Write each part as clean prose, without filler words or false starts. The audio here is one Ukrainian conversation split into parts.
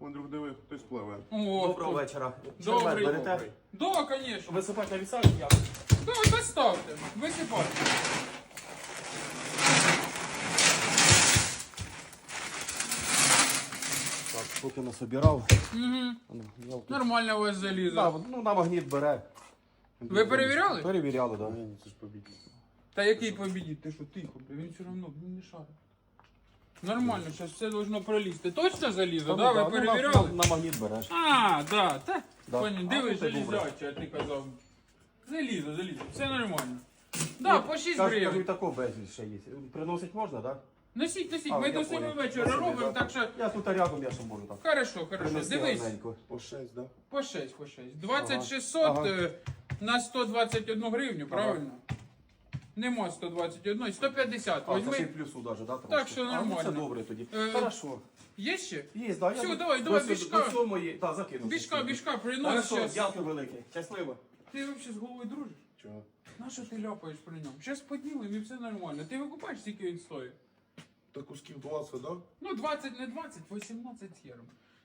Андрюх, диви, хтось пливе. О, Доброго вечора. Добрий. Червет берете? Да, конечно. Висипати на вісак я. Да, доставте. Висипайте. Так, поки насобирав. Угу. Нормально у вас залізо. Да, ну на магніт бере. Ви перевіряли? Перевіряли, так. Ні, це ж побіг. Та який побідіть? Ти що, тихо, бля, він все одно не шарить. Нормально, зараз все должно пролізти. Точно залізо, да? Ви перевіряли? На магніт береш. А, да, та. Да. Понял, А, дивись, ну, це добре. залізяче, а ти казав. Залізо, все нормально. Да, по 6 Кажу, і гривень. такого безліч ще є. Приносить можна, так? Носіть, А, ми я до 7 понял. вечора Спасибо, робимо, да. так що... Я тут рядом, я що можу так. Хорошо, Принести дивись. гарненько. По 6, да? По 6. 2600 Ага. на 121 гривню, правильно? Нема 121, 150. А, це ще й Возьми. плюсу даже, да? Так що А, ну, нормально. це добре тоді. Е, Хорошо. Є ще? Є, да, Все, я давай, до бішка. До сьомої, так, закину. Бішка, принос Хорошо, зараз. дякую велике. Щасливо. Ти взагалі з головою дружиш? Чого? На що ти ляпаєш при ньому? Зараз поділимо і все нормально. Ти викупаєш, скільки він стоїть? Та кусків 20, да? Ну, 20 не 20, 18 євро.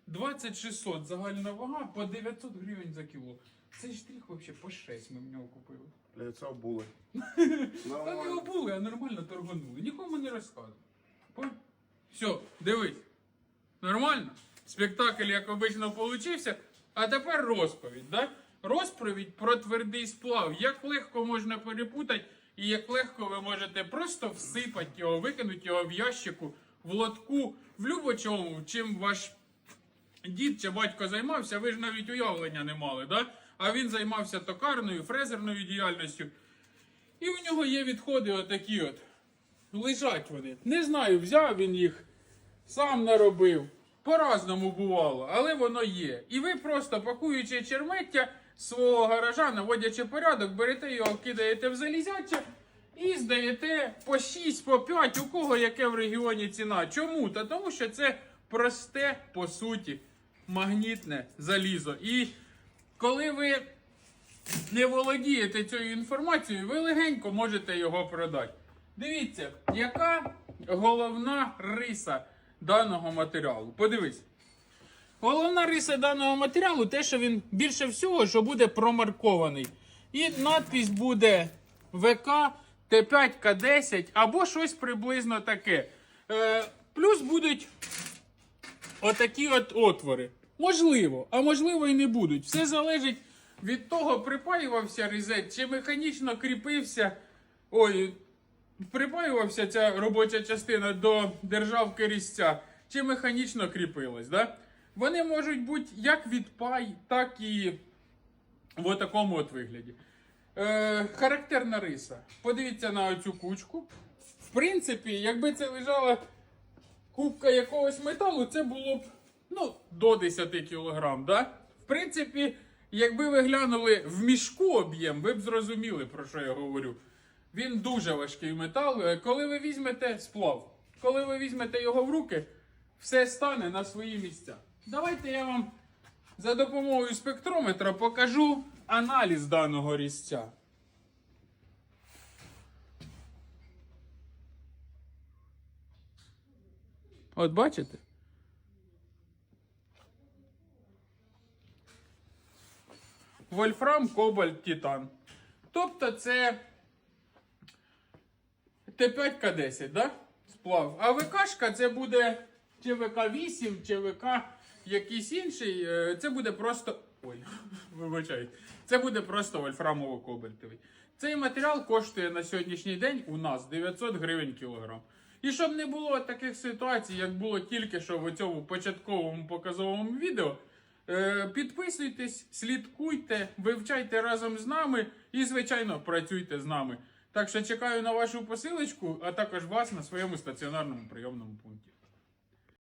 2600 загальна вага по 900 гривень за кіло. Цей штрих взагалі по 6 ми в нього купили. Для це були. Там його були, а нормально торганули. Нікому не розказували. Все, дивись. Нормально? Спектакль, як обично, получився. А тепер розповідь, да? Розповідь про твердий сплав. Як легко можна перепутати і як легко ви можете просто всипати його, викинути його в ящику, в лотку, в любочому, чим ваш дід чи батько займався, ви ж навіть уявлення не мали, да? А він займався токарною, фрезерною діяльністю. І у нього є відходи отакі от. Лежать вони. Не знаю, взяв він їх, сам наробив. По-разному бувало, але воно є. І ви просто, пакуючи чермеття свого гаража, наводячи порядок, берете його, кидаєте в залізяче і здаєте по 6, по 5, у кого яке в регіоні ціна. Чому? Та тому що це просте, по суті, магнітне залізо. І коли ви не володієте цією інформацією, ви легенько можете його продати. Дивіться, яка головна риса даного матеріалу. Подивись. Головна риса даного матеріалу те, що він більше всього, що буде промаркований. І надпись буде ВК Т5 К10 або щось приблизно таке. Плюс будуть отакі от отвори. Можливо, а можливо і не будуть. Все залежить від того, припаювався різець чи механічно кріпився. Припаювався ця робоча частина до державки різця, чи механічно кріпилась. Да? Вони можуть бути як відпай, так і в такому от вигляді. Характерна риса. Подивіться на оцю кучку. В принципі, якби це лежала кубка якогось металу, це було б до 10 кг. Да? В принципі, якби ви глянули в мішку об'єм, ви б зрозуміли, про що я говорю. Він дуже важкий метал. Коли ви візьмете сплав, коли ви візьмете його в руки, все стане на свої місця. Давайте я вам за допомогою спектрометра покажу аналіз даного різця. От бачите? Вольфрам, кобальт, титан. Тобто це Т5К10, да? Сплав. А ВКшка це буде чи ВК8, чи ВК якийсь інший. Це буде просто... вибачайте. Це буде просто вольфрамово-кобальтовий. Цей матеріал коштує на сьогоднішній день у нас 900 гривень кілограм. І щоб не було таких ситуацій, як було тільки що в цьому початковому показовому відео, підписуйтесь, слідкуйте, вивчайте разом з нами і, звичайно, працюйте з нами. Так що чекаю на вашу посилочку, а також вас на своєму стаціонарному прийомному пункті.